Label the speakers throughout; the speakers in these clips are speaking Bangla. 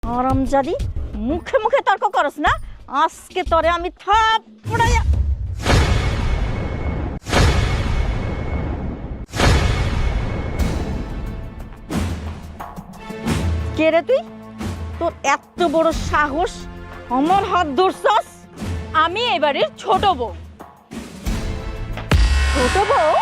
Speaker 1: আরামজাদি মুখে মুখে তর্ক করস না, আজকে তোরে আমি থাপড়াইয়া। কে রে তুই? তোর এত বড় সাহস আমার হাত ধরছস?
Speaker 2: আমি এবারের ছোট বউ।
Speaker 1: ছোট বউ?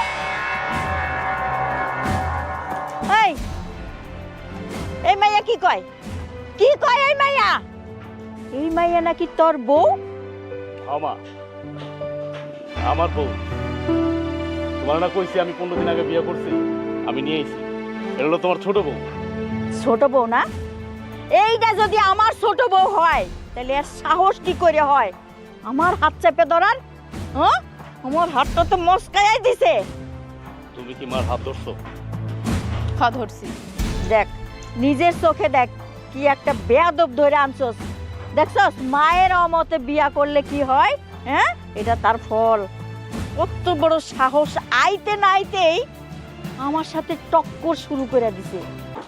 Speaker 1: এই এই মাইয়া কি কয়? কি কয় এই মাইয়া? এই মাইয়া নাকি তোর বউ?
Speaker 3: আমার বউ। তোমার না কইছি আমি 15 দিন আগে বিয়ে করছি, আমি নিয়ে আইছি। এটা হলো তোমার ছোট বউ।
Speaker 1: ছোট বউ না? এইটা যদি আমার ছোট বউ হয় তাহলে এর সাহস কি করে হয় আমার হাত চেপে ধরার? হ্যাঁ, আমার হাতটা তো মস্কায় দিছে।
Speaker 3: তুমি কি মার হাত ধরছো?
Speaker 2: হ্যাঁ ধরছি।
Speaker 1: দেখ নিজের চোখে দেখ, কি একটা বেয়াদব ধরে আনছস। দেখছস মায়ের অমতে বিয়া করলে কি হয়? হ্যাঁ, এটা তার ফল। কত বড় সাহস, আইতে না আইতেই আমার সাথে টক্কর শুরু করে দিছে।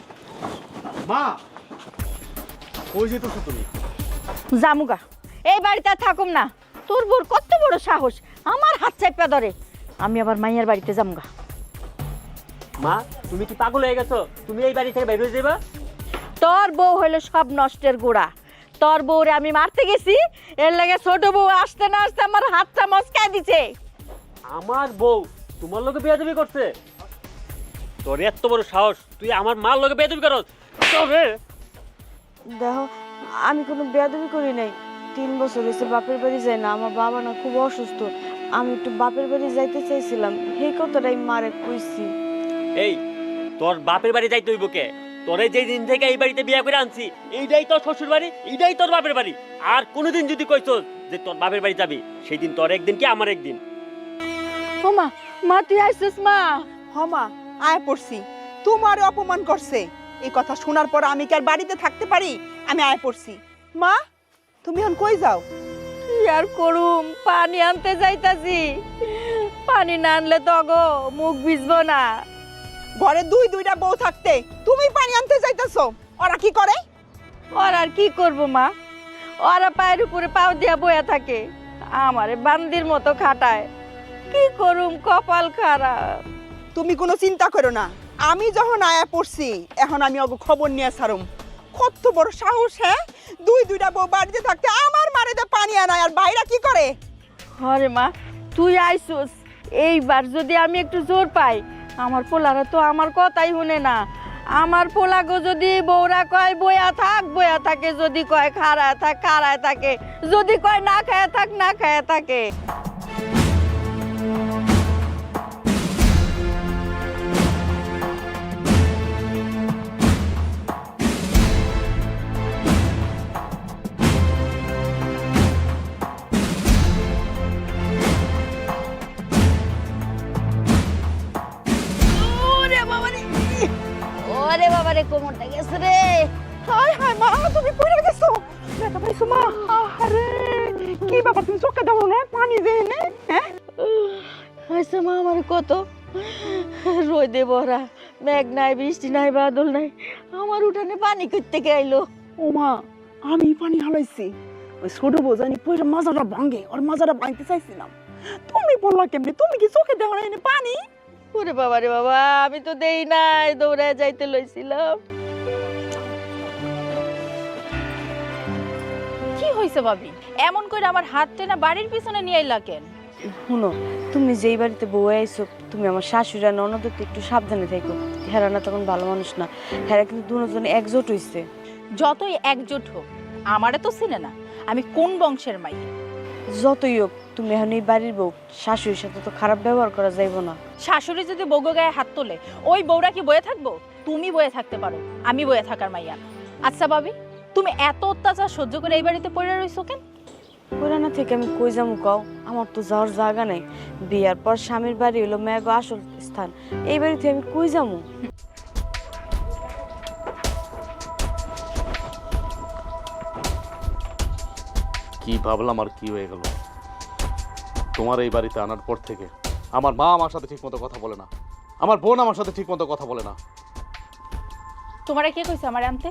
Speaker 3: মা, কই যেতেছো তুমি?
Speaker 1: জামুগা, এই বাড়িতে আর থাকুম না। তোর বোর কত বড় সাহস আমার হাত চাপা ধরে। আমি আবার মাইয়ার বাড়িতে জামুগা।
Speaker 4: মা, তুমি কি পাগল হয়ে গেছো? তুমি এই বাড়ি থেকে বের হয়ে যাবা?
Speaker 1: তোর বউ হইলো সব নষ্টের গোড়া। তোর বউরে আমি মারতে গেছি, এর লাগে ছোট বউ আসতে না আসতে আমার হাতটা মস্কায় দিছে।
Speaker 4: আমার বউ তোমার লগে বেয়াদবি করছে? তোর এত বড় সাহস, তুই আমার মার লগে বেয়াদবি করছ? তবে
Speaker 5: দেখো, আমি কোনো বেয়াদবি করি নাই। 3 বছর হয়েছে বাপের বাড়ি যাই না। আমার বাবা না খুব অসুস্থ, আমি একটু বাপের বাড়ি যাইতে চাইছিলাম, সেই কথাটাই মারে কইছি।
Speaker 4: এই, তোর বাপের বাড়ি যাইতে হইব কে? তোরে যেই দিন থেকে এই বাড়িতে বিয়ে করে আনছি, এইটাই তোর শ্বশুর বাড়ি, এইটাই তোর বাপের বাড়ি। আর কোনোদিন যদি কইছস যে তোর বাপের বাড়ি যাবি, সেই দিন তোর একদিন কি আমার একদিন।
Speaker 1: ও মা, মা তুই আইছিস? মা
Speaker 6: হমা আয় পড়ছি, তোমার অপমান করছে। এই কথা শোনার পর আমি কি আর বাড়িতে থাকতে পারি? আমি আয় পড়ছি। মা, তুমি এখন কই যাও?
Speaker 1: কি আর করুম, পানি আনতে যাইতাছি। পানি না আনলে তো গো মুখ ভিজবো না।
Speaker 6: ঘরে দুইটা বউ থাকতে তুমি পানি আনতে যাইতেছো, ওরা কি করে?
Speaker 1: ওর আর কি করবো মা, ওরা পায়ের উপরে পাও দিয়া বয়া থাকে, আমারে বান্দির মতো খাটায়। কি করুম, কপাল খারাপ।
Speaker 6: তুমি কোনো চিন্তা করো না, আমি যখন আয়া পড়ছি এখন আমি ওকে খবর নিয়ে ছাড়ুম। কত বড় সাহস! হ্যাঁ, দুইটা বউ বাড়িতে থাকতে আমার মারেতে পানি আনায়, আর বাইরা কি করে?
Speaker 1: আরে মা তুই আইসুস, এইবার যদি আমি একটু জোর পাই, আমার পোলারা তো আমার কথাই শুনে না। আমার পোলাগো যদি বউরা কয় বয়া থাক বয়া থাকে, যদি কয় খাড়ায় থাক খাড়ায় থাকে, যদি কয় না খায় থাক না খায় থাকে। ওরে বাবা রে, কোমরটা গেছে রে।
Speaker 6: হায় হায় মা, তুমি পড়ে গেছো, ব্যথা পাইছো মা? আরে কি ব্যাপার, তুমি চোখে দাও না পানি দেয় না? হ্যাঁ,
Speaker 1: আচ্ছা মা, আমার কত রোদে ভরা, মেঘ নাই বৃষ্টি নাই বাদল নাই, আমার উঠানে পানি করতে আইলো।
Speaker 6: ও মা, আমি পানি ঢালাইছি। ওই ছোট বউ জানি পয়সা মাজাটা ভাঙে, ওর মাজাটা ভাঙতে চাইছিলাম। তুমি বললা কেমনি? তুমি কি চোখে দেখো না পানি?
Speaker 1: ওরে বাবা রে বাবা, আমি তো দেই নাই, দৌড়ায় যাইতে লইছিলাম।
Speaker 2: কি হইছে ভাবি? এমন করে আমার হাত টেনে বাড়ির পিছনে নিয়ে আইলা কেন?
Speaker 5: শুনো, তুমি যেই বাড়িতে বউ আইছো, তুমি আমার শাশুড়ি আর ননদের তো একটু সাবধানে থেকো। হেরা না তখন ভালো মানুষ না, হেরা কিন্তু দুজন একজোট হইছে।
Speaker 2: যতই একজোট হোক, আমারে তো চিনে না আমি কোন বংশের মাইয়া।
Speaker 5: যতই হোক, তুমি এখন এই বাড়ির বউ, শাশুড়ির সাথে তো খারাপ ব্যবহার করা যাইব না।
Speaker 2: শাশুড়ি যদি বউগো গায়ে হাত তোলে, ওই বউরা কি বয়ে থাকবো? তুমি বয়ে থাকতে পারো, আমি বয়ে থাকার মাইয়া না। আচ্ছা ভাবি, তুমি এত অত্যাচার সহ্য করে এই বাড়িতে পড়ে রইছো কেন?
Speaker 5: পুরানা থেকে আমি কই যাবো কও? আমার তো যাওয়ার জায়গা নাই। বিয়ার পর স্বামীর বাড়ি হলো মেয়াগো আসল স্থান, এই বাড়িতে আমি কই যাবো?
Speaker 3: কি ভাবলাম আর কি হয়ে গেল? তোমার এই বাড়িতে আনার পর থেকে আমার মা আমার সাথে ঠিকমতো কথা বলে না, আমার বোন আমার সাথে ঠিকমতো কথা বলে না।
Speaker 2: তোমারে কে কইছে আমার আনতে?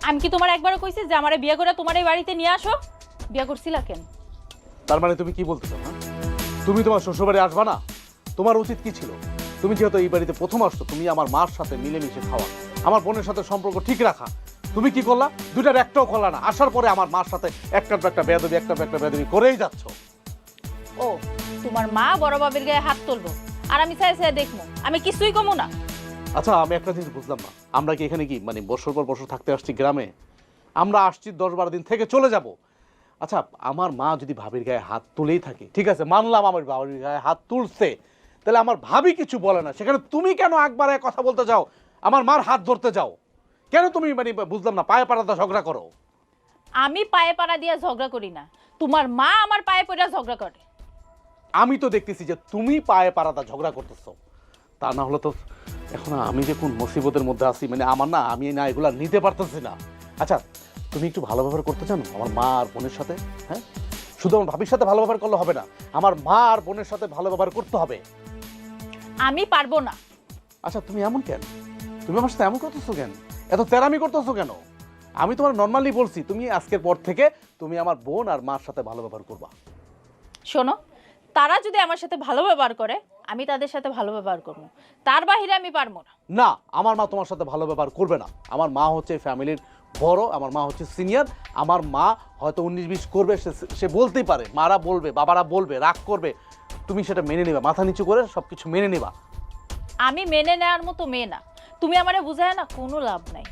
Speaker 2: আমি কি তোমার একবারও কইছি যে আমারে বিয়ে করে তোমার এই বাড়িতে নিয়ে আসো? বিয়ে করছিলা কেন?
Speaker 3: তার মানে তুমি কি বলতে চাও? হ্যাঁ, তুমি তোমার শ্বশুরবাড়ি আসবা না? তোমার উচিত কি ছিল? তুমি যেহেতু এই বাড়িতে প্রথম আসছো, তুমি আমার মার সাথে মিলেমিশে খাওয়া, আমার বোনের সাথে সম্পর্ক ঠিক রাখা। তুমি কি করলা? দুইটার একটাও করলা না। আসার পরে আমার মার সাথে একটার পর একটা বেয়াদবি করেই যাচ্ছ।
Speaker 2: ও, তোমার মা বড় বাবির গায়ে হাত তুলবো আর আমি চাই চাই দেখবো? আমি কিছুই কমু না।
Speaker 3: আচ্ছা, আমি একটা জিনিস বুঝলাম না, আমরা কি এখানে কি মানে বছর পর বছর থাকতে আসছি গ্রামে? আমরা আসছি 10-12 দিন থেকে চলে যাব। আচ্ছা, আমার মা যদি ভাবির গায়ে হাত তুলেই থাকে, ঠিক আছে মানলাম আমার ভাবির গায়ে হাত তুলছে, তাহলে আমার ভাবি কিছু বলে না, সেখানে তুমি কেন একবারে কথা বলতে যাও, আমার মার হাত ধরতে যাও কেন? তুমি মানে বুঝলাম না, পায়ে পাড়াতে ঝগড়া করো।
Speaker 2: আমি পায়ে পাড়া দিয়ে ঝগড়া করি না, তোমার মা আমার পায়ে পড়া ঝগড়া করে।
Speaker 3: আমি তো দেখতেছি যে তুমি পায়ে পাড়াতে ঝগড়া করতেছো। তা না হলে তো এখন আমি যে কোন মুসিবতের মধ্যে আছি, মানে আমার না, আমি না এগুলা নিতে পারতেছি না। আচ্ছা, তুমি একটু ভালো ব্যবহার করতে চান আমার মা আর বোনের সাথে? হ্যাঁ, শুধু আমার ভাবির সাথে ভালো ব্যবহার করলে হবে না, আমার মা আর বোনের সাথে ভালো ব্যবহার করতে হবে।
Speaker 2: আমি পারবো না।
Speaker 3: আচ্ছা, তুমি এমন কেন? তুমি আমার সাথে এমন করতেছো কেন? এত তেরামি করতেছো কেন? আমি তোমার নর্মালি বলছি, তুমি আজকের পর থেকে তুমি আমার বোন আর মার সাথে ভালো ব্যবহার করবা।
Speaker 2: শোনো, তারা যদি আমার সাথে ভালো ব্যবহার করে আমি তাদের সাথে ভালো ব্যবহার করবো, তার বাহিরে আমি পারবো না।
Speaker 3: না, আমার মা তোমার সাথে ভালো ব্যবহার করবে না। আমার মা হচ্ছে ফ্যামিলির বড়, আমার মা হচ্ছে সিনিয়র। আমার মা হয়তো 19-20 করবে, সে বলতেই পারে, মারা বলবে, বাবারা বলবে, রাগ করবে, তুমি সেটা মেনে নিবা, মাথা নিচু করে সবকিছু মেনে নিবা।
Speaker 2: আমি মেনে নেওয়ার মতো মেয়ে না, তুমি আমারে বুঝায় না কোনো লাভ নাই।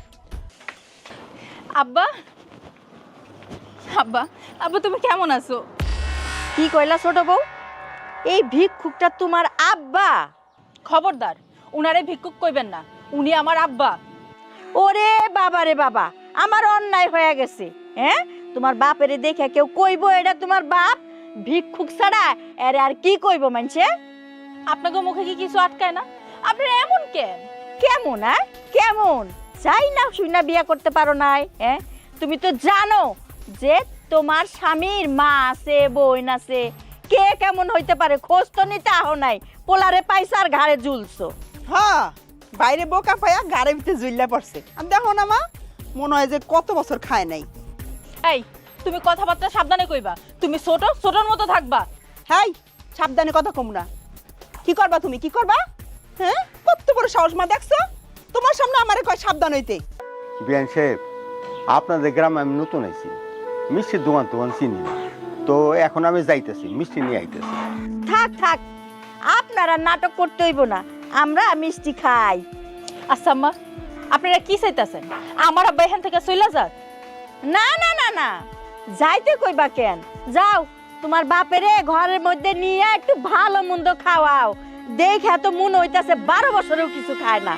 Speaker 2: আব্বা, আব্বা, আব্বা তুমি কেমন আছো?
Speaker 1: কি কইলা ছোট বউ? এই ভিক্ষুকটা তোমার আব্বা?
Speaker 2: খবরদার, উনারে ভিক্ষুক কইবেন না, উনি আমার আব্বা।
Speaker 1: ওরে বাবা রে বাবা, আমার অন্যায় হয়ে গেছে। হ্যাঁ, তোমার বাপেরে দেখে কেউ কইবো এটা তোমার বাপ? ভিক্ষুক ছাড়া এর আর কি কইবো মানছে?
Speaker 2: আপনাকে মুখে কি কিছু আটকায় না? আপনারা এমন কেন?
Speaker 1: কেমন? হ্যাঁ কেমন? চাই না শুই না বিয়া করতে পারো নাই? হ্যাঁ, তুমি তো জানো যে তোমার স্বামীর মা আছে, বোন আছে, কে কেমন হইতে পারে খোঁজ তো নিতে আহ নাই, পোলারে পাইছো আর ঘাড়ে ঝুলছো।
Speaker 6: হ্যাঁ, বাইরে বোকা পায়া গাড়ি ভিতরে জুইল্লা পড়ছে। আর দেখো না মা, মনে হয় যে কত বছর খায় নাই।
Speaker 2: এই, তুমি কথাবার্তা সাবধানে কইবা, তুমি ছোট ছোটর মতো থাকবা।
Speaker 6: হাই, সাবধানে কথা কম না। কি করবা তুমি, কি করবা? হ্যাঁ, কত বড় সাহস মা, দেখছো? তোমার সামনে আমারে কয় সাবধান হইতে।
Speaker 7: বিয়ান সাহেব, আপনাদের গ্রামে আমি নতুন আইছি, মিষ্টির দোকান চিনি না, তো এখন আমি যাইতেছি, মিষ্টি নিয়ে আইতেছি।
Speaker 1: থাক থাক, আপনারা নাটক করতে হইব না, আমরা মিষ্টি খাই।
Speaker 2: আচ্ছা আম্মা, আপনারা কি চাইতেছেন? আমার আব্বা এখান থেকে চলে যাক?
Speaker 1: না না না না, যাইতে কইবা কেন? যাও, তোমার বাপেরে ঘরের মধ্যে নিয়ে একটু ভালো মন্দ খাওয়াও। দেখে তো মন হইতাছে 12 বছরেও কিছু খায় না।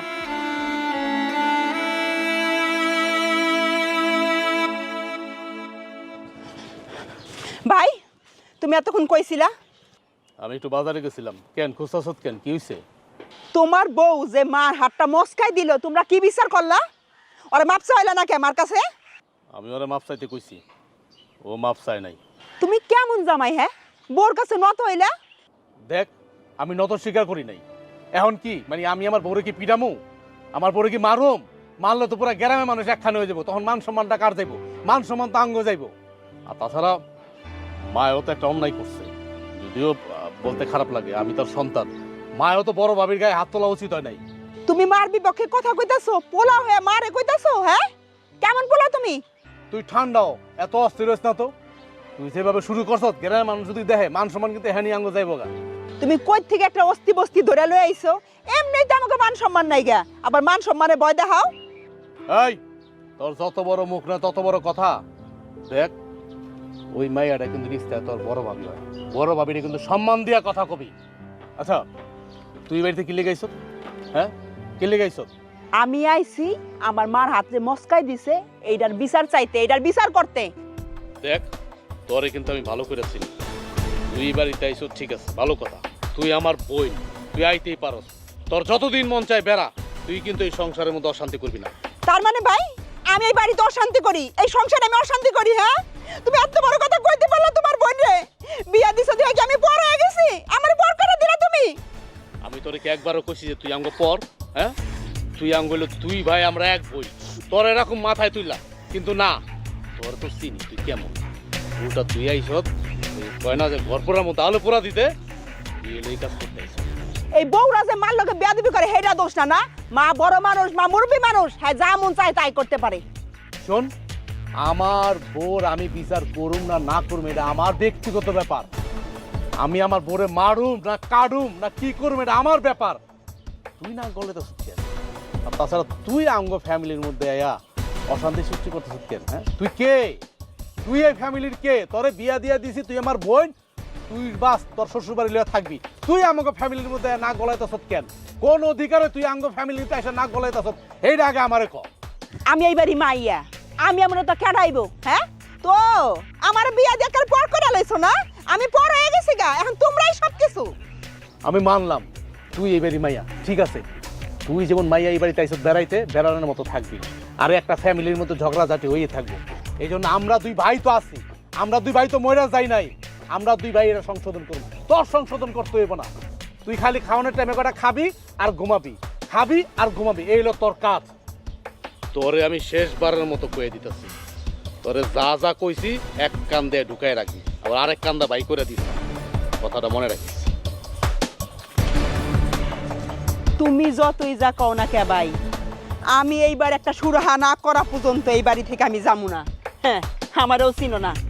Speaker 6: ভাই, তুমি এতক্ষণ কইছিলা?
Speaker 3: আমি একটু বাজারে গেছিলাম। কেন খুঁজতাছত কেন? কি হইছে?
Speaker 6: তোমার বউ যে মার হাতটা মস্কাই দিল, তোমরা কি বিচার করলা? ওরে মাপ চাইলা নাকি আমার কাছে?
Speaker 3: আমি ওরা মাপ চাইতে কইছি, ও মাপ চায় নাই।
Speaker 6: তুমি কেমন জামাই? হ্যাঁ, বোর কাছে নত হইলা?
Speaker 3: দেখ, আমি নত স্বীকার করি নাই। এখন কি মানে আমি আমার বউরে কি পিটামু? আমার বউরে কি মারুম? মারলে তো পুরো গ্রামে মানুষ একখানে হয়ে যাবো, তখন মান সম্মানটা কার যাইব? মান সম্মান তো আঙ্গ যাইব। আর তাছাড়া মায়ও তো একটা অন্যায় করছে, যদিও বলতে খারাপ লাগে, আমি তার সন্তান। মায়ও তো বড় ভাবির গায়ে হাত তোলা উচিত হয় নাই।
Speaker 6: তুমি মার বিপক্ষে কথা কইতাছো, পোলা হয়ে মারে কইতাছো? হ্যাঁ, কেমন পোলা তুমি?
Speaker 3: তুই ঠান্ডাও, এত অস্থির হইস না তো। তুই যেভাবে শুরু করছ, গ্রামের মানুষ যদি দেখে, মান সম্মান কিন্তু হ্যানি আঙ্গ যাইব গা।
Speaker 6: তুমি কই থেকে একটা অস্তি বস্তি ধরে লয়ে আইছো? এমনি তো আমাকে মান সম্মান নাই গা, আবার মান সম্মানে ভয় দেখাও।
Speaker 3: এই, তোর যত বড় মুখ না তত বড় কথা। দেখ, ওই মাইয়াটা কিন্তু রিস্তায় তোর বড় ভাবি হয়, বড় ভাবিরে কিন্তু সম্মান দিয়া কথা কবি। আচ্ছা, তুই বাড়িতে কি লেগাইছ? হ্যাঁ, কি লেগাইছ?
Speaker 6: আমি আইছি আমার মার হাতে মস্কাই দিছে, এইটার বিচার চাইতে, এইটার বিচার করতে।
Speaker 3: দেখ, তোরে কিন্তু আমি ভালো করে চিনি। তুই বাড়িতে আইছ ঠিক আছে, ভালো কথা। তুই আমার বই, তুই আইতেই পারস। তোর যতদিন মন চায় বেড়া, তুই কিন্তু এই সংসারের মধ্যে অশান্তি করবি না।
Speaker 6: তার মানে ভাই, আমি এই বাড়িতে অশান্তি করি, এই সংসারে আমি অশান্তি করি? হ্যাঁ, তুমি এত বড় কথা কইতে পারলা তোমার বোন রে? বিয়া দিছো দেখে কি আমি পর হয়ে গেছি? আমার পর করে দিলা তুমি?
Speaker 3: আমি তোরে কি একবারও কইছি যে তুই আঙ্গ পর? হ্যাঁ, তুই আঙ্গ হইলো তুই ভাই, আমরা এক বই। তোর এরকম মাথায় তুইলা কিন্তু না, তোর তো চিনি তুই কেমন। ওটা তুই আইসত কয় না যে ঘর পোড়ার মতো আলো পোড়া দিতে, তুই এলে এই কাজ করতে আইসত।
Speaker 6: এই বউরা যে মার লোকে বেয়াদবি করে হেটা দোষ না না, মা বড় মানুষ, মা মুরব্বী মানুষ, হ্যাঁ যা মন চায় তাই করতে পারে।
Speaker 3: শোন, আমার বোর আমি বিচার করুম না না করুম এটা আমার ব্যক্তিগত ব্যাপার। আমি আমার বোরে মারুম না কাটুম না কি করুম এটা আমার ব্যাপার। তুই না গলে তো সত্যি। আর তাছাড়া তুই আঙ্গ ফ্যামিলির মধ্যে আয়া অশান্তি সৃষ্টি করতেছিস কেন? হ্যাঁ, তুই কে? তুই এই ফ্যামিলির কে? তোরে বিয়া দিয়া দিছি, তুই আমার বোন, তুই বাস তোর শ্বশুর বাড়ি লিয়ে থাকবি। তুই আমাকে ফ্যামিলির মধ্যে না গলাইতেছ কেন? কোন অধিকারে তুই আঙ্গ ফ্যামিলিতে এসে না গলাইতেছ এইটা আগে আমারে ক।
Speaker 6: আমি এইবারই মাইয়া, আমি এমন তো কেডাইবো? হ্যাঁ, তো আমার বিয়া দেখার পর করে লাইছো না, আমি পর হয়ে গেছি গা, এখন তোমরাই সব কিছু।
Speaker 3: আমি মানলাম তুই এই বাড়ি মাইয়া, ঠিক আছে। তুই যেমন মাইয়া এই বাড়িতে আইসত বেড়াইতে, বেড়ানোর মতো থাকবি, আর একটা ফ্যামিলির মতো ঝগড়াঝাটি হয়ে থাকবো। এই জন্য আমরা দুই ভাই তো আছি, আমরা দুই ভাই তো ময়রা যাই নাই। আমরা দুই ভাই এরা সংশোধন করবো, তোর সংশোধন করতে হইব না। তুই খালি খাওয়ানোর টাইমে কটা খাবি আর ঘুমাবি, খাবি আর ঘুমাবি, এই হলো তোর কাজ। তোরে আমি শেষবারের মতো কয়ে দিতেছি, তোরে যা যা কইছি এক কান দিয়ে ঢুকাই রাখবি, আবার আরেক কান্দা বাই করে দিস, কথাটা মনে রাখিস।
Speaker 6: তুমি যতই যা কও না কে ভাই, আমি এইবার একটা সুরাহা না করা পর্যন্ত এই বাড়ি থেকে আমি যাবো না। হ্যাঁ, আমারও চিনো না।